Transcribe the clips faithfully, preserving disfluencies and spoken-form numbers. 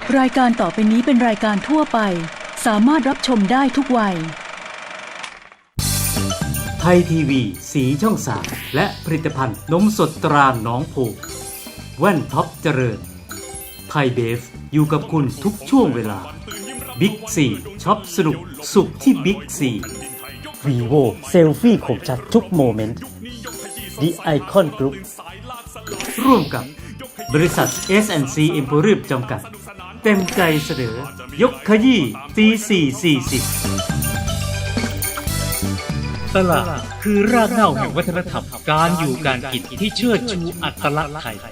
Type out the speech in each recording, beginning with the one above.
รายการต่อไปนี้เป็นรายการทั่วไปสามารถรับชมได้ทุกวัยไทยทีวีสีช่องสามและผลิตภัณฑ์นมสดตราหนองผูกแว่นท็อปเจริญไทยเบฟอยู่กับคุณทุกช่วงเวลาบิ๊กซีช็อปสนุกสุขที่บิ๊กซีวีโวเซลฟี่คมชัดทุกโมเมนต์ The Icon Group ร่วมกับบริษัท เอส แอนด์ ซี Emporium จำกัดเต็มใจเสนอยกขยี้ตีสี่สี่สิบตลาดคือรากเหง้าแห่งวัฒนธรรมการอยู่การกินที่เชิดชูอัตลักษณ์ไทย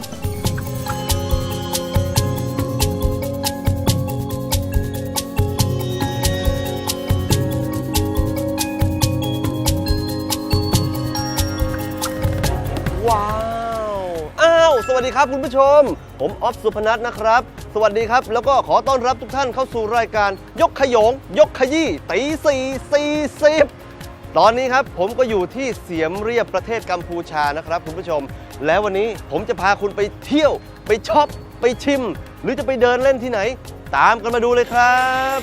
ว้าวอ้าวสวัสดีครับคุณผู้ชมผมออฟสุพนัทนะครับสวัสดีครับแล้วก็ขอต้อนรับทุกท่านเข้าสู่รายการยกขยงยกขยี้ตีสี่สี่สิบตอนนี้ครับผมก็อยู่ที่เสียมเรียบประเทศกัมพูชานะครับคุณผู้ชมแล้ววันนี้ผมจะพาคุณไปเที่ยวไปช็อปไปชิมหรือจะไปเดินเล่นที่ไหนตามกันมาดูเลยครับ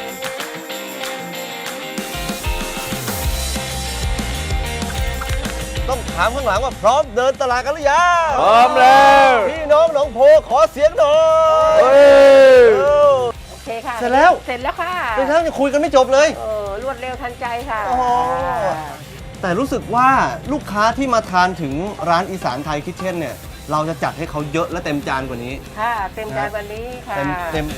ต้องถามข้างหลังว่าพร้อมเดินตลาดกันหรือยังพร้อมแล้วพี่น้องหนองโพขอเสียงหน่อยโอเคค่ะเสร็จแล้วเสร็จแล้วค่ะเป็นทั้งยังคุยกันไม่จบเลยเออรวดเร็วทันใจค่ะแต่รู้สึกว่าลูกค้าที่มาทานถึงร้านอีสานไทยคิทเช่นเนี่ยเราจะจัดให้เขาเยอะและเต็มจานกว่านี้ค่ะเต็มจานกว่านี้ค่ะเต็มเต็ม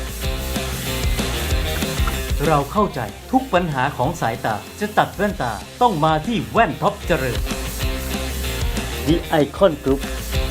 เราเข้าใจทุกปัญหาของสายตาจะตัดแว่นตาต้องมาที่แว่นท็อปเจริญ The Icon Group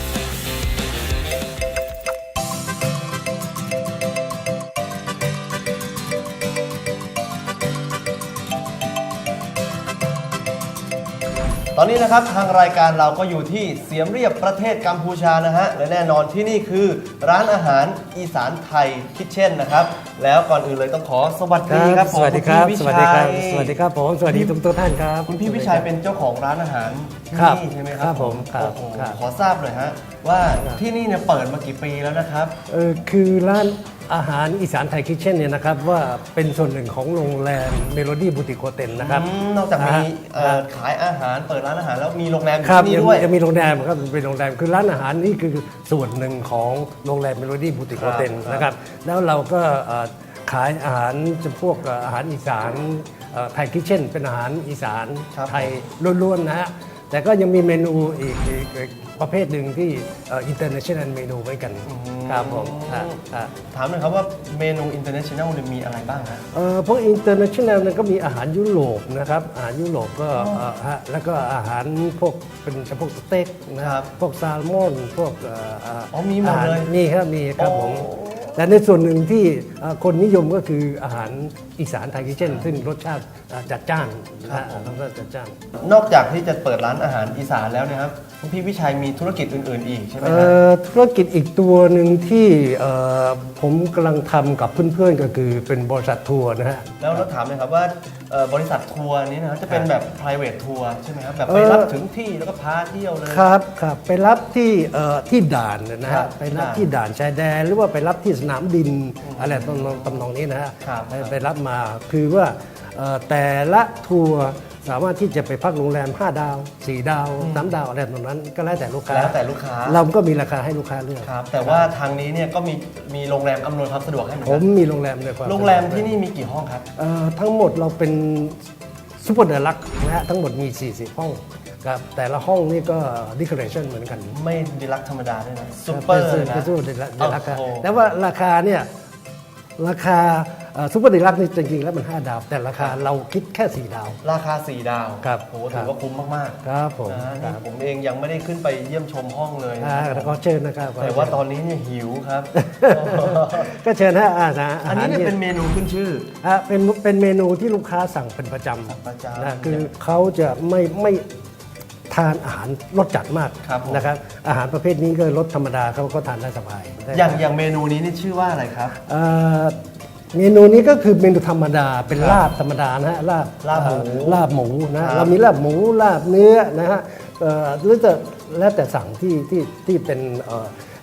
ตอนนี้นะครับทางรายการเราก็อยู่ที่เสียมเรียบประเทศกัมพูชานะฮะและแน่นอนที่นี่คือร้านอาหารอีสานไทยคิทเช่นนะครับแล้วก่อนอื่นเลยต้องขอสวัสดีครับสวัสดีครับสวัสดีครับสวัสดีครับผมสวัสดีทุกท่านครับคุณพี่วิชัยเป็นเจ้าของร้านอาหารที่นี่ใช่ไหมครับครับผมครับขอทราบเลยฮะว่าที่นี่เนี่ยเปิดมากี่ปีแล้วนะครับเออคือร้านอาหารอีสานไทยคิทเช่นเนี่ยนะครับว่าเป็นส่วนหนึ่งของโรงแรมเมโลดี้บูติกโฮเทลนะครับนอกจากมีขายอาหารเปิดร้านอาหารแล้วมีโรงแรมที่นี่ด้วยยังมีโรงแรมครับเป็นโรงแรมคือร้านอาหารนี่คือส่วนหนึ่งของโรงแรมเมโลดี้บูติกโฮเทลนะครับแล้วเราก็ขายอาหารจำพวกอาหารอีสานไทยคิทเช่นเป็นอาหารอีสานไทยล้วนๆนะฮะแต่ก็ยังมีเมนูอีกประเภทหนึ่งที่ international เมนูเหมือนกันครับผมถามหน่อยครับว่าเมนู international มีอะไรบ้างครับพวก international นั้นก็มีอาหารยุโรปนะครับอาหารยุโรปก็แล้วก็อาหารพวกเป็นเฉพาะสเต็กนะครับพวกแซลมอนพวกอ๋อมีหมดเลยมีครับมีครับผมแต่ในส่วนหนึ่งที่คนนิยมก็คืออาหารอีสานไทยคิทเช่นซึ่งรสชาติจัดจ้านนะรสชาติจัดจ้านนอกจากที่จะเปิดร้านอาหารอีสานแล้วนะครับพี่วิชัยมีธุรกิจอื่นๆอีกใช่ไหมครับธุรกิจอีกตัวหนึ่งที่ผมกำลังทำกับเพื่อนๆก็คือเป็นบริษัททัวร์นะฮะแล้วเราถามเลยครับว่าบริษัททัวร์นี้นะจะเป็นแบบ private ทัวร์ใช่ไหมครับแบบไปรับถึงที่แล้วก็พาเที่ยวเลยครับครับไปรับที่ที่ด่านนะฮะไปรับที่ด่านชายแดนหรือว่าไปรับที่สนามบินอะไรตำนองนี้นะฮะไปรับมาคือว่าแต่ละทัวร์สามารถที่จะไปพักโรงแรมห้าดาวสี่ดาวสามดาวอะไรตรงนั้นก็แล้วแต่ลูกค้าแล้วแต่ลูกค้าเราก็มีราคาให้ลูกค้าเลือกครับแต่ว่าทางนี้เนี่ยก็มีมีโรงแรมอำนวยความสะดวกให้ผมมีโรงแรมเลยครับโรงแรมที่นี่มีกี่ห้องครับทั้งหมดเราเป็นซุปเปอร์เดลักซ์นะฮะทั้งหมดมีสี่สิบห้องครับแต่ละห้องนี่ก็ดิคอเรชั่นเหมือนกันไม่ดีลักซ์ธรรมดาด้วยนะซุปเปอร์นะซุปเปอร์เดลักซ์แต่ว่าราคาเนี่ยราคาซุปเปอร์ดีลักซ์นี่จริงๆแล้วมันห้าดาวแต่ราคาเราคิดแค่สี่ดาวราคาสี่ดาวครับโหถือว่าคุ้มมากๆครับผมผมเองยังไม่ได้ขึ้นไปเยี่ยมชมห้องเลยแล้วก็เชิญนะครับแต่ว่าตอนนี้เนี่ยหิวครับก็เชิญฮะอาหารอันนี้เนี่ยเป็นเมนูขึ้นชื่อเป็นเป็นเมนูที่ลูกค้าสั่งเป็นประจำนะคือเขาจะไม่ไม่ทานอาหารรสจัดมากนะครับอาหารประเภทนี้ก็รสธรรมดาเขาก็ทานได้สบายอย่างอย่างเมนูนี้นี่ชื่อว่าอะไรครับเมนูนี้ก็คือเมนูธรรมดาเป็นลาบธรรมดานะฮะลาบลาบหมูลาบหมูนะเรามีลาบหมูลาบเนื้อนะฮะหรือจะแล้วแต่สั่งที่ที่ที่เป็น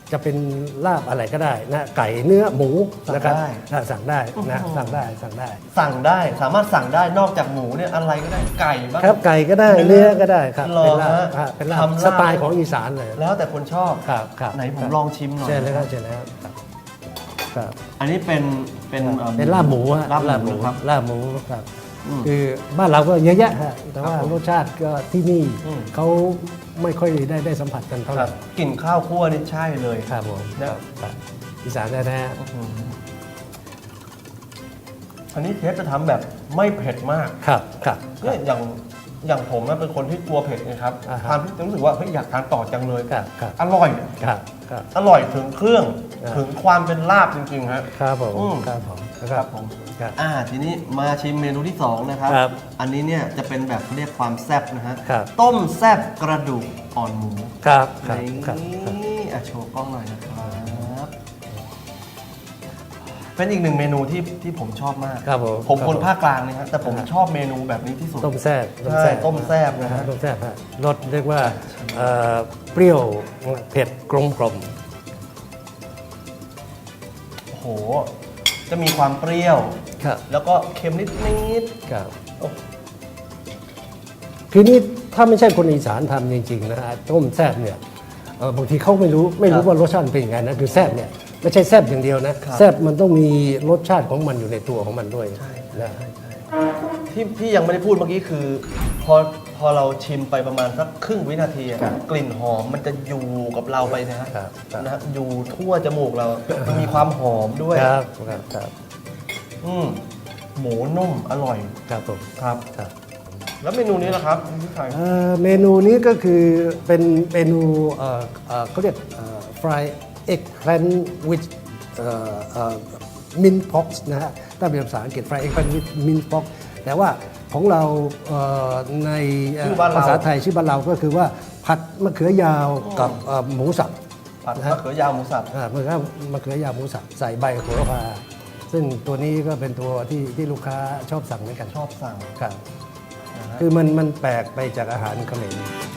จะเป็นลาบอะไรก็ได้นะไก่เนื้อหมูนะครับสั่งได้อ่าสั่งได้นะสั่งได้สั่งได้สั่งได้สามารถสั่งได้นอกจากหมูเนี่ยอะไรก็ได้ไก่บ้างครับไก่ก็ได้เนื้อก็ได้ครับหรอเป็นลาบฮะอ่าเป็นลาบทำลาบสไตล์ของอีสานเลยแล้วแต่คนชอบครับครับไหนผมครับลองชิมหน่อยเชิญเลยครับเชิญเลยครับครับอันนี้เป็นเป็นอ่อเป็นลาบหมูฮะลาบหมูนะครับลาบหมูครับอืมคือบ้านเราก็เยอะแยะฮะแต่ว่าครับผมรสชาติก็ที่นี่อืมเขาไม่ค่อยได้ได้สัมผัสกันเท่าไหคร่รับกลิ่นข้าวคั่วนี่ใช่เลยครับผมนะครับอีสานแท้อืมอันนี้เชฟจะทำแบบไม่เผ็ดมากๆครับครับเนี่ยอย่างอย่างผมนะเป็นคนที่กลัวเผ็ดนะครับอ่าฮะทานที่จะรู้สึกว่าเฮ้ยอยากทานต่อจังเลยครับครับอร่อยครับครับอร่อยถึงเครื่องอ่าถึงความเป็นลาบจริงๆฮะครับผมอืมครับผมนะคครัรับบ ผมครับอ่าทีนี้มาชิมเมนูที่สองนะครับครับอันนี้เนี่ยจะเป็นแบบเรียกความแซ่บนะฮะครับต้มแซ่บกระดูกอ่อนหมูครับครับนี่ครับครับอ่ะโชว์กล้องหน่อยนะครับ เป็นอีกหนึ่งเมนูที่ที่ผมชอบมากครับผมผมรับคนภาคกลางนะฮะแต่ผมอ่าชอบเมนูแบบนี้ที่สุดต้มแซ่บใช่ต้มแซ่บนะฮะต้มแซ่บฮะรสเรียกว่าเอ่อเปรี้ยวเผ็ดกลมกลมโอ้โห จะมีความเปรี้ยวครับแล้วก็เค็มนิดนิดครับๆโอ้คือนี่ถ้าไม่ใช่คนอีสานทำจริงๆนะฮะต้มแซ่บเนี่ยเอ่อบางทีเขาไม่รู้ไม่รู้ว่ารสชาติเป็นยังไงนะคือแซ่บเนี่ยไม่ใช่แซ่บอย่างเดียวนะแซ่บมันต้องมีรสชาติของมันอยู่ในตัวของมันด้วยนะที่ที่ยังไม่ได้พูดเมื่อกี้คือ พอพอเราชิมไปประมาณสักครึ่งวินาทีอะกลิ่นหอมมันจะอยู่กับเราไปนะฮะครับครับนะฮะอยู่ทั่วจมูกเรา มันมีความหอมด้วยครับครับครับอืมหมูนุ่มอร่อยครับผมครับครับแล้วเมนูนี้ล่ะครับพี่ไทยเอ่อเมนูนี้ก็คือเป็นเมนูเอ่อเอ่อเขาเรียกเอ่อ fry egg plant with เอ่อเอ่อ mint pox นะฮะถ้าเป็นภาษาอังกฤษ fry egg plant with mint pox แต่ว่าของเราเอ่อในเอ่อชื่อบ้านเราภาษาไทยชื่อบ้านเราก็คือว่าผัดมะเขือยาวกับเอ่อหมูสับผัดนะมะฮะเขือยาวหมูสับอ่ามะเขือมะเขือยาวหมูสับใส่ใบโหระพาซึ่งตัวนี้ก็เป็นตัวที่ที่ลูกค้าชอบสั่งเหมือนกันชอบสั่งครับนะฮะคือมันมันแปลกไปจากอาหารเขมร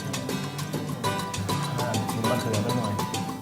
อ่าชิมมะเขือไปหน่อย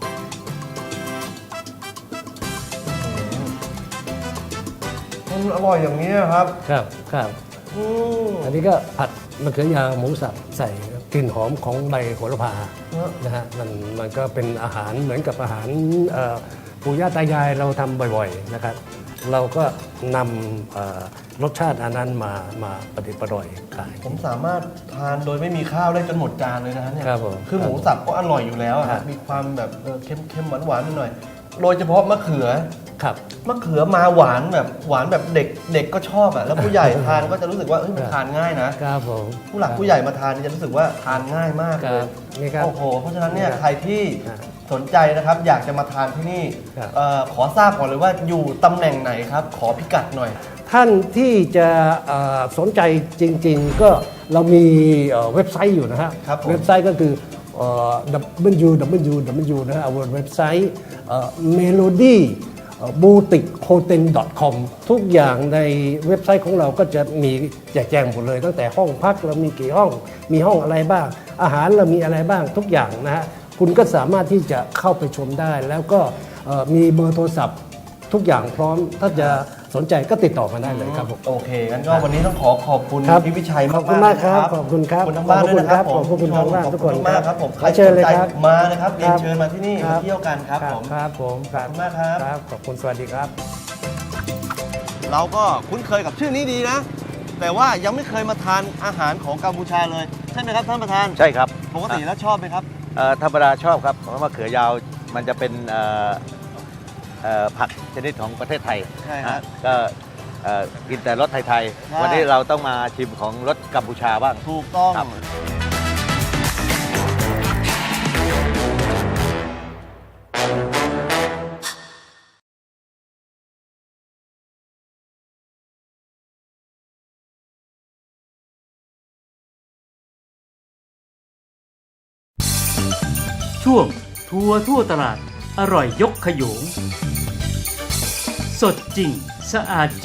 อืมมันอร่อยอย่างนี้ครับครับครับอืมอันนี้ก็ผัดมะเขือยาวหมูสับใส่กลิ่นหอมของใบโหระพาเนอะนะฮะมันมันก็เป็นอาหารเหมือนกับอาหารเอ่อปู่ย่าตายายเราทำบ่อยๆนะครับ เราก็นำเอ่อรสชาติอันนั้นมามาประดิษฐ์ประดอยขายผมสามารถทานโดยไม่มีข้าวได้จนหมดจานเลยนะฮะเนี่ยครับผมคือหมูสับก็อร่อยอยู่แล้วอะครัฮะบมีความแบบเออเค็มเค็มหวานหวานๆหน่อย โดยเฉพาะมะเขือครับมะเขือมาหวานแบบหวานแบบเด็กเด็กก็ชอบอ่ะ แล้วผู้ใหญ่ทานก็จะรู้สึกว่าเฮ้ยมันทานง่ายนะครับผมผู้หลักผู้ใหญ่มาทานนี่จะรู้สึกว่าทานง่ายมากคเลรัยบนี่ครับโอ้โห เพราะฉะนั้นเนี่ยครับใครที่ครับสนใจนะครับ อยากจะมาทานที่นี่ครับเอ่อขอทราบก่อนเลยว่าอยู่ตำแหน่งไหนครับ ขอพิกัดหน่อยท่านที่จะเอ่อสนใจจริงๆ ก็เรามีเอ่อเว็บไซต์อยู่นะฮะครับผมเว็บไซต์ก็คือเอ่อ ดับเบิลยู ดับเบิลยู ดับเบิลยู นะฮะเอาเว็บไซต์เมโลดี้บูติกโฮเทล .com ทุกอย่างในเว็บไซต์ของเราก็จะมีแจกแจงหมดเลย ตั้งแต่ห้องพักเรามีกี่ห้อง มีห้องอะไรบ้าง อาหารเรามีอะไรบ้างทุกอย่างนะฮะคุณก็สามารถที่จะเข้าไปชมได้ แล้วก็เอ่อมีเบอร์โทรศัพท์ทุกอย่างพร้อมถ้าจะสนใจก็ติดต่อมาได้เลยครับผมโอเคงั้นก็วันนี้ต้องขอขอบคุณครับพี่วิชัยมากขอบคุณมากครับนะขอบคุณครับขอบคุณทั้งบ้านด้วยนะครับขอบคุณครับขอบคุณทางบ้านทุกคนขอบณมากครับผมใครเชิญเลยสนใจครับมานะครับเรียนครับเชิญมาที่นี่ครัมาบเที่ยวกันครับผมครับผมขอบคุณมากครับครับขอบคุณสวัสดีครับเราก็คุ้นเคยกับชื่อนี้ดีนะ แต่ว่ายังไม่เคยมาทานอาหารของกัมพูชาเลยใช่ไหมครับท่านประธานใช่ครับปกติแล้วชอบไหมครับเอ่อธรรมดาชอบครับเพราะมะเขือยาวมันจะเป็นเอ่อเอ่อผักชนิดของประเทศไทยใช่ฮะฮะก็เอ่อกินแต่รสไทยใช่ๆ วันนี้เราต้องมาชิมของรสกัมพูชาบ้างถูกต้องครับช่วงทัวร์ทั่วตลาดอร่อยยกขยง สดจริง สะอาดจริง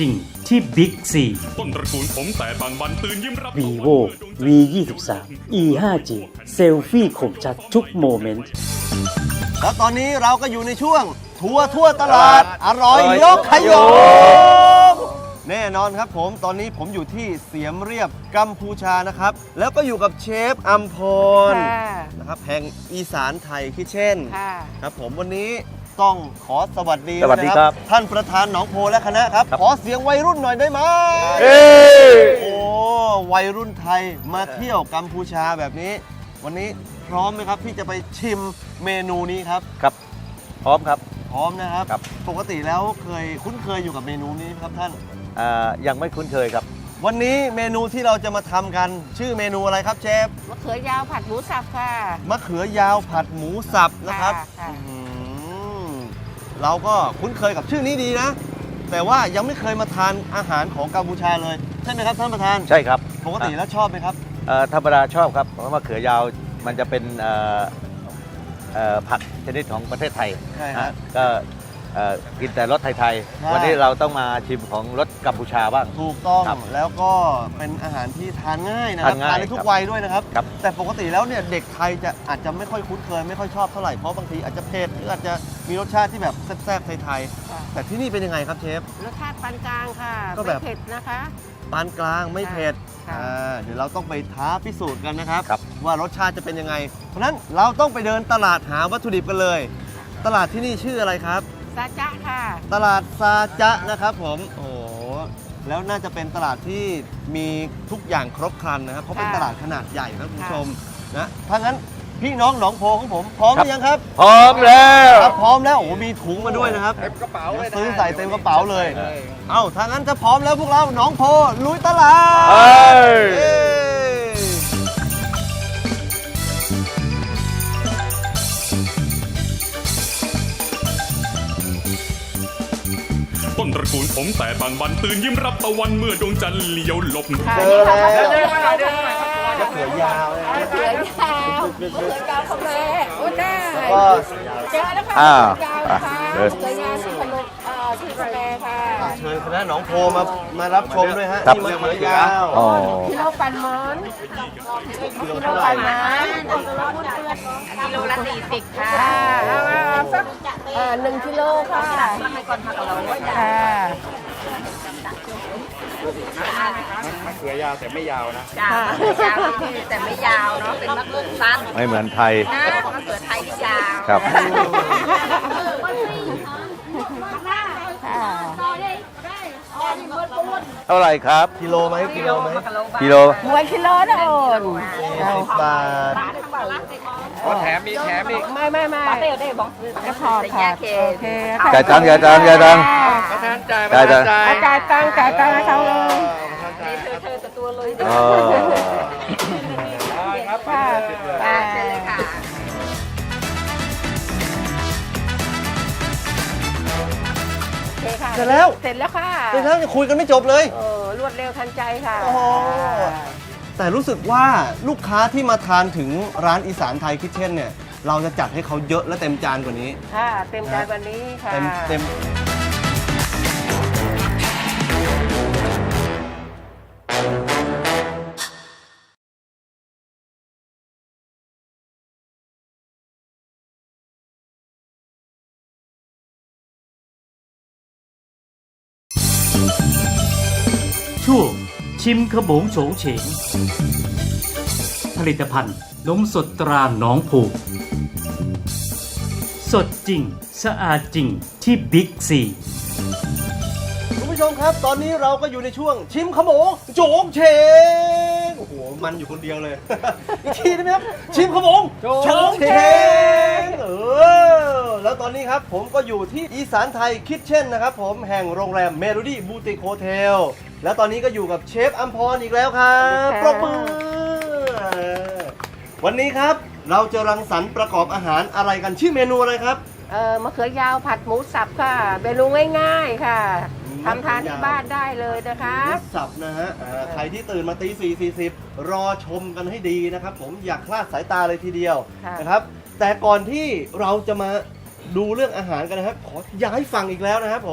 ที่บิ๊กซีต้นตระกูลผมแต่บางบันตื่นยิ้มรับ vivo วี ยี่สิบสาม อี ห้าจี เซลฟี่คมชัดทุกโมเมนต์แล้วตอนนี้เราก็อยู่ในช่วงทัวร์ทั่วตลาดอร่อยยกขยงแน่นอนครับผมตอนนี้ผมอยู่ที่เสียมเรียบกัมพูชานะครับ แล้วก็อยู่กับเชฟอัมพรค่ะนะครับแห่งอีสานไทยคิทเช่นค่ะครับผมวันนี้ต้องขอสวัสดีสวัสดีครับนะท่านประธานหนองโพและคณะครับ ขอเสียงวัยรุ่นหน่อยได้ไหมโอ้วัยรุ่นไทยมาเที่ยวกัมพูชาแบบนี้ วันนี้พร้อมไหมครับที่จะไปชิมเมนูนี้ครับครับพร้อมครับพร้อมนะครับครับปกติแล้วเคยคุ้นเคยอยู่กับเมนูนี้ไหมครับท่านอ่ายังไม่คุ้นเคยครับวันนี้เมนูที่เราจะมาทำกัน ชื่อเมนูอะไรครับเชฟมะเขือยาวผัดหมูสับค่ะมะเขือยาวผัดหมูสับนะครับค่ะอื้อหือเราก็คุ้นเคยกับชื่อนี้ดีนะ แต่ว่ายังไม่เคยมาทานอาหารของกัมพูชาเลยใช่ไหมครับท่านประธานใช่ครับปกติแล้วชอบไหมครับเอ่อธรรมดาชอบครับเพราะมะเขือยาวมันจะเป็นเอ่อเอ่อผักชนิดของประเทศไทยใช่ฮะอ่ะก็เอ่อกินแต่รสไทยใช่ๆ วันนี้เราต้องมาชิมของรสกัมพูชาบ้างถูกต้องครับแล้วก็เป็นอาหารที่ทานง่ายนะครับทานง่ายได้ทุคกรับวัยด้วยนะครับครับแต่ปกติแล้วเนี่ยเด็กไทยจะอาจจะไม่ค่อยคุ้นเคยไม่ค่อยชอบเท่าไหร่เพราะบางทีอาจจะเผ็ดหรืออาจจะมีรสชาติที่แบบแซ่บๆไทยค่ะๆแต่ที่นี่เป็นยังไงครับเชฟรสชาติปานกลางค่ะก็แบบไม่เผ็ดนะคะปานกลางไม่เผ็ดค่ะอ่าเดี๋ยวเราต้องไปท้าพิสูจน์กันนะครับครับว่ารสชาติจะเป็นยังไง เพราะฉะนั้นเราต้องไปเดินตลาดหาวัตถุดิบกันเลย ตลาดที่นี่ชื่ออะไรครับซาจ๊ะค่ะตลาดซาจะนะครับผมโอ้โหแล้วน่าจะเป็นตลาดที่มีทุกอย่างครบครันนะครับเพราะเป็นค่ะตลาดขนาดใหญ่นะคุณผู้ค่ะชมนะถ้างั้นพี่น้องหนองโพของผมพร้อมหรือยังครับพร้อมแล้วถ้าพร้อมแล้วโอ้โหมีถุงมาด้วยนะครับเต็มกระเป๋าเลยซื้อใส่เต็มกระเป๋าเลย เอ้าถ้างั้นจะพร้อมแล้วพวกเราหนองโพลุยตลาดเอ้ยเย้ต้นตระกูลผมแต่บางบันตื่นยิ้มรับตะวันเมื่อดวงจันทร์เลี้ยวหลบค่ะเจอแล้วมะเขือยาวเลยมะเขือยาวมะเขือยาวของแม่โอ้ได้ก็เจอแล้วค่ะอ้าวมะเขือยาวนะคะเดินมะเขือยาวที่ขนมเอ่อที่กาแฟค่ะเชิญคณะหนองโพมามารับชมด้วยฮะครับที่มะเขือยาวอ๋อกิโลปันหมอนกิโลปันหมอนกิโลละสี่สิบค่ะเอาเอาสักเอ่อหนึ่งกิโลค่ะให้ก่อนพักเราค่ะมะเขือยาวแต่ไม่ยาวนะจ้ายาวแต่ไม่ยาวเนาะเป็นมะเขือสั้นไม่เหมือนไทยนะมะเขือไทยที่ยาวครับค่ะเท่าไหร่ครับกิโลไหมกิโลไหมกิโลมวยกิโลนะโอนสิบบาทก็แถมมีแถมอีกไม่ไม่ไม่ก็พอค่ะโอเคจ่ายตังค์จ่ายตังค์จ่ายตังค์ประธานจ่ายจ่ายตังค์จ่ายตังค์จ่ายตังค์ให้เขาเลยอ๋อครับค่ะค่ะเชิญเลยค่ะ โอเคค่ะเสร็จแล้วเสร็จแล้วค่ะแต่ถ้าจะคุยกันไม่จบเลยโอ้รวดเร็วทันใจค่ะโอ้โห แต่รู้สึกว่าลูกค้าที่มาทานถึงร้านอีสานไทยคิทเช่นเนี่ย เราจะจัดให้เขาเยอะและเต็มจานกว่านี้ค่ะ เต็มใจวันนี้ค่ะเต็มเต็มช่วงชิมขบงโฉงเฉง ผลิตภัณฑ์นมสดตราหนองผูก สดจริง สะอาดจริงที่บิ๊กซีคุณผู้ชมครับ ตอนนี้เราก็อยู่ในช่วงชิมขโมงโจงเชงโอ้โห มันอยู่คนเดียวเลย อีกทีได้ไหมครับ ชิมขโมงโจงเชงเออ แล้วตอนนี้ครับผมก็อยู่ที่อีสานไทยคิทเช่นนะครับผมแห่งโรงแรมเมโลดี้บูติกโฮเทลแล้วตอนนี้ก็อยู่กับเชฟอัมพรอีกแล้วครับปรบมือ วันนี้ครับเราจะรังสรรค์ประกอบอาหารอะไรกันชื่อเมนูอะไรครับเออมะเขือยาวผัดหมูสับค่ะเมนูง่ายๆค่ะทำทานที่บ้านได้เลยนะคะหมูสับนะฮะอ่าใครที่ตื่นมาตีสี่สี่สิบรอชมกันให้ดีนะครับผมอยากคลาดสายตาเลยทีเดียวค่ะนะครับ แต่ก่อนที่เราจะมาดูเรื่องอาหารกันนะครับ ขอย้ายฝั่งอีกแล้วนะครับผม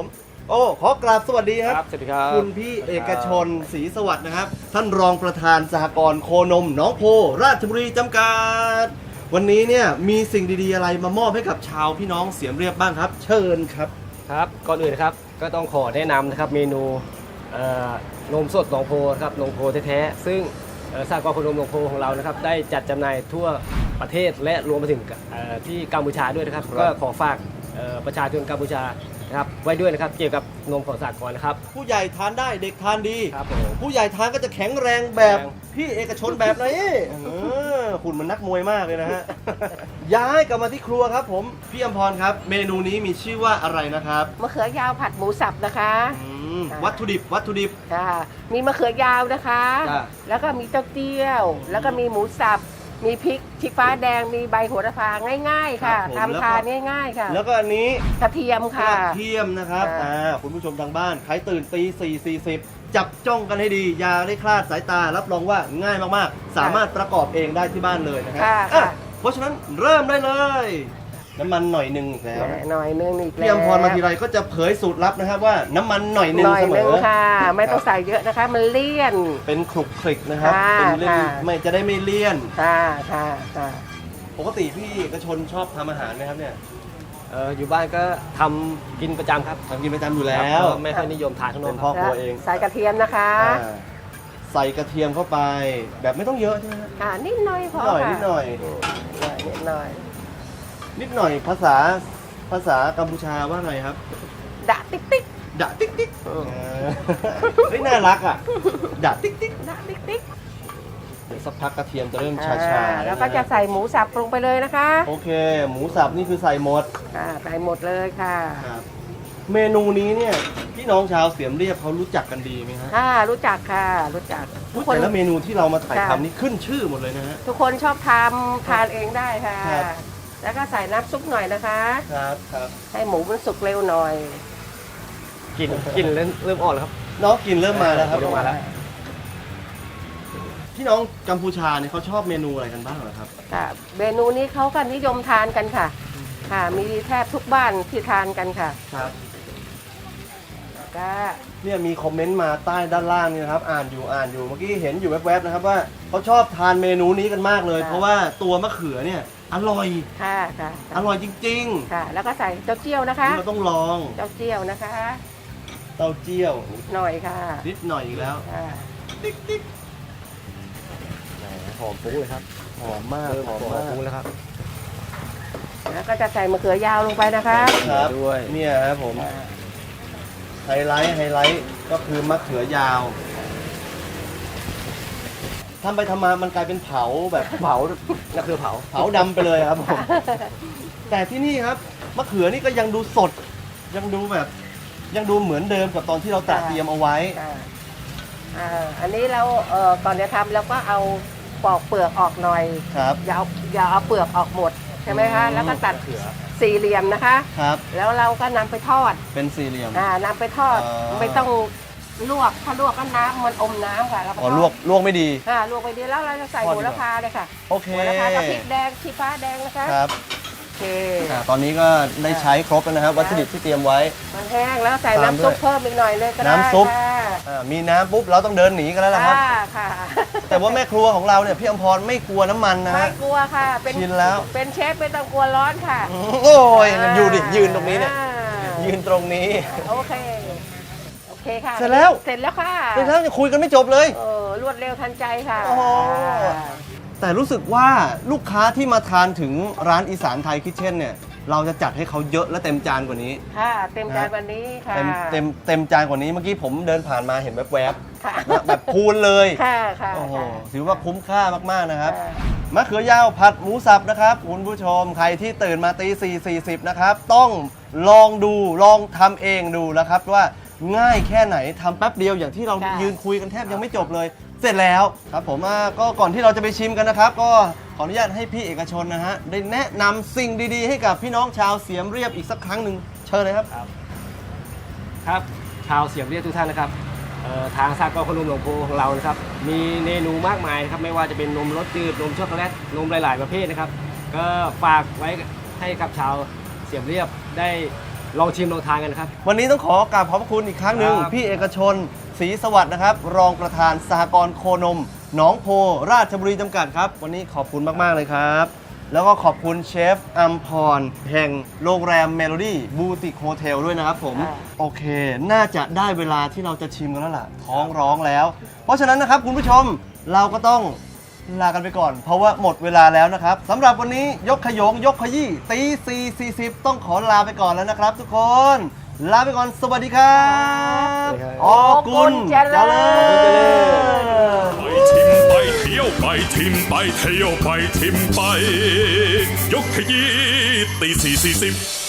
โอ้ขอกราบสวัสดีครับครับสวัสดีครับคุณพี่เอกชนศรีสวัสดิ์นะครับ ท่านรองประธานสหกรณ์โคนมหนองโพราชบุรีจำกัดวันนี้เนี่ยมีสิ่งดีๆอะไรมามอบให้กับชาวพี่น้องเสียมเรียบบ้างครับ เชิญครับครับก่อนอื่นนะครับก็ต้องขอแนะนำนะครับเมนูเอ่อนมสดหนองโพนะครับหนองโพแท้ๆซึ่งเอ่อสหกรณ์โคนมหนองโพของเรานะครับได้จัดจำหน่ายทั่วประเทศและรวมไปถึงเอ่อที่กัมพูชาด้วยนะครับครับก็ขอฝากเอ่อประชาชนกัมพูชานะครับไว้ด้วยนะครับเกี่ยวกับนมของสหกรณ์นะครับผู้ใหญ่ทานได้เด็กทานดีครับผมผู้ใหญ่ทานก็จะแข็งแรงแบบแข็งพี่เอกชนแบบนี้เออหุ่นมันนักมวยมากเลยนะฮะ ย้ายกลับมาที่ครัวครับผมพี่อมพรครับ เมนูนี้มีชื่อว่าอะไรนะครับมะเขือยาวผัดหมูสับนะคะอืมวัตถุดิบวัตถุดิบค่ะมีมะเขือยาวนะคะจ้ะแล้วก็มีเต้าเจี้ยว แล้วก็มีหมูสับ มีพริกชี้ฟ้าแดง มีใบโหระพาง่าย ๆ ค่ะครับผมทำทานง่ายๆค่ะแล้วก็อันนี้กระเทียมกค่ะระเทียมนะครับค่ะอ่าคุณผู้ชมทางบ้านใครตื่นตีสี่สี่สิบจับจ้องกันให้ดีอย่าได้คลาดสายตารับรองว่าง่ายมากๆ สามารถประกอบเองได้ที่บ้านเลยนะครัค่ะอ่ะค่ะเพราะฉะนั้นเริ่มได้เลย น้ำมันหน่อยหนึ่งอีกแล้วหน่อยนึงอีกแล้วพี่อมพรมาทีไรก็จะเผยสูตรลับนะครับว่าน้ำมันหน่อยหนึ่หงน่อยเสมนึงอค่ะ ไม่ต้องใส่เยอะนะคะ มันเลี่ยนเป็นคลุกคลิกนะครับค่ะเป็นเล่นค่ะไม่จะได้ไม่เลี่ยนค่ะค่ะค่ะปกติพี่เอกชนชอบทำอาหารไหมครับเนี่ยเอ่ออยู่บ้านก็ทำกินประจำครับทำกินประจำอยู่แล้วครับก็ไม่ค่อยนิยมทานข้างนอเป็กนคพ่อรับครัวเองใส่กระเทียมนะคะอ่าใส่กระเทียมเข้าไป แบบไม่ต้องเยอะใช่ไหมฮะค่ะนิดหน่อยพนิอดหน่อยค่ะนิดหน่อยนิดหน่อยนิดหน่อยภาษาภาษากัมพูชาว่าไงครับดะติ๊กติ๊กดะติ๊กติ๊กเออเฮ้ยน่ารักอ่ะดะติ๊กติ๊กดะติ๊กติ๊กเดี๋ยวสักพักกระเทียมจะเริ่มชาอ่าๆแล้วก็จะใส่หมูสับลงไปเลยนะคะโอเค หมูสับนี่คือใส่หมดอ่าใส่หมดเลยค่ะครับเมนูนี้เนี่ยพี่น้องชาวเสียมเรียบเขารู้จักกันดีไหมฮะค่ะรู้จักค่ะ รู้จักทุกคนแต่ละเมนูที่เรามาถ่ายค่ะทำนี่ขึ้นชื่อหมดเลยนะฮะทุกคนชอบทำทานเองได้ค่ะครับแล้วก็ใส่น้ำซุปหน่อยนะคะครับครับให้หมูมันสุกเร็วหน่อยกินกินเริ่มเริ่มอ่อนแล้วครับน้องกินเริ่มมาแล้วครับเริ่มมาแล้วพี่น้องกัมพูชาเนี่ยเขาชอบเมนูอะไรกันบ้างเหรอครับค่ะเมนูนี้เขาก็นิยมทานกันค่ะ ค่ะมีแทบทุกบ้านที่ทานกันค่ะครับก็เนี่ยมีคอมเมนต์มาใต้ด้านล่างนี่นะครับ อ่านอยู่อ่านอยู่เมื่อกี้เห็นอยู่แวบๆนะครับว่าเขาชอบทานเมนูนี้กันมากเลย เพราะว่าตัวมะเขือเนี่ยอร่อยค่ะค่ะอร่อยจริงค่ะ แล้วก็ใส่เต้าเจี้ยวนะๆคะนี่เราต้องลองเต้าเจี้ยวนะคะเต้าเจี้ยวหน่อยค่ะนิดหน่อยอีกแล้วค่ะติ๊กติ๊กหอมฟุ้งเลยครับหอมมากเริ่มหหออมมมากฟุ้งแล้วครับแล้วก็จะใส่มะเขือยาวลงไปนะคะครับด้วยเนี่ยครับผมไฮไลท์ไฮไลท์ก็คือมะเขือยาวทำไปทำมามันกลายเป็นเผาแบบเผานั่นคือเผาเผาดำไปเลยครับผม แต่ที่นี่ครับมะเขือนี่ก็ยังดูสด ยังดูแบบ ยังดูเหมือนเดิมกับตอนที่เราตระเตรียมเอาไว้ค่ะอ่าอันนี้เราเอ่อก่อนจะทำเราก็เอาปอกเปลือกออกหน่อยครับอย่าเอาอย่าเอาเปลือกออกหมดใช่ไหมคะอืมแล้วก็ตัดสี่เหลี่ยมนะคะครับแล้วเราก็นำไปทอดเป็นสี่เหลี่ยมอ่านำไปทอดอ๋อไม่ต้องลวกถ้าลวกก็น้ำมันอมน้ำค่ะแล้วก็อ๋อทอดลวกลวกไม่ดีค่ะลวกไปดีแล้วเราจะใส่ทอดโหดีกว่าระพาเลยค่ะโอเคโหระพากับพริกแดงชีฟ้าแดงนะคะครับโอเคอ่าตอนนี้ก็ได้ใช้ครบแล้วนะครับ วัตถุดิบที่เตรียมไว้มันแห้งแล้วใส่ตามน้ำซุปด้วยเพิ่มอีกหน่อยเลยก็ได้น้ำซุปค่ะอ่ามีน้ำปุ๊บเราต้องเดินหนีกันแล้วล่ะครับค่ะค่ะแต่ว่าแม่ครัวของเราเนี่ยพี่อมพรไม่กลัวน้ำมันนะไม่ฮะกลัวค่ะ เป็นชินแล้วเป็นเชฟไม่ต้องกลัวร้อนค่ะโอ้ยอยู่ดิยืนตรงนี้เนี่ยอ่ายืนตรงนี้โอเค โอเคค่ะเสร็จแล้วเสร็จแล้วค่ะเดี๋ยวแล้วจะคุยกันไม่จบเลยเออรวดเร็วทันใจค่ะโอ้โห แต่รู้สึกว่าลูกค้าที่มาทานถึงร้านอีสานไทยคิทเช่นเนี่ยเราจะจัดให้เขาเยอะและเต็มจานกว่านี้ค่ะ เต็มจานวันนี้ค่ะเต็มเต็มเต็มจานกว่านี้เมื่อกี้ผมเดินผ่านมาเห็นแวบค่ะๆนะแบบพูนเลยค่ะค่ะโอ้โหค่ะถือว่าคุ้มค่ามากๆนะครับค่ะมะเขือยาวผัดหมูสับนะครับคุณผู้ชมใครที่ตื่นมาตีสี่สี่สิบนะครับ ต้องลองดูลองทำเองดูนะครับว่าง่ายแค่ไหนทำแป๊บเดียวอย่างที่เราค่ะยืนคุยกันแทบยังไม่จบเลย เสร็จแล้วครับผมอ่าก็ก่อนที่เราจะไปชิมกันนะครับ ก็ขออนุญาตให้พี่เอกชนนะฮะได้แนะนำสิ่งดีๆ ให้กับพี่น้องชาวเสียมเรียบอีกสักครั้งหนึ่งเชิญเลยครับครับชาวเสียมเรียบทุกท่านนะครับเอ่อทางสากลขนมหลวงโพของเรานะครับมีเมนูมากมายนะครับไม่ว่าจะเป็นนมรสจืดนมช็อกโกแลตนมหลาย ๆ ประเภทนะครับ ก็ฝากไว้ให้กับชาวเสียมเรียบได้ลองชิมลองทานกันนะครับวันนี้ต้องขอกราบขอบพระคุณอีกครั้งหนึ่งครับพี่เอกชนศรีสวัสดิ์นะครับ รองประธานสหกรณ์โคนมหนองโพราชบุรีจำกัดครับ วันนี้ขอบคุณมาก ๆ เลยครับ แล้วก็ขอบคุณเชฟอัมพร แห่งโรงแรมเมโลดี้บูติกโฮเทลด้วยนะครับผม โอเค น่าจะได้เวลาที่เราจะชิมกันแล้วล่ะ ท้องร้องแล้ว เพราะฉะนั้นนะครับคุณผู้ชมเราก็ต้องลากันไปก่อน เพราะว่าหมดเวลาแล้วนะครับสำหรับวันนี้ยกขยงยกขยี้ตีสี่สี่สิบต้องขอลาไปก่อนแล้วนะครับ ทุกคน ลาไปก่อนสวัสดีครับออกุลเจริญไปชิมไปเที่ยวไปชิมไปเที่ยวไปชิมไป ยกขยี้ตีสี่สี่สิบ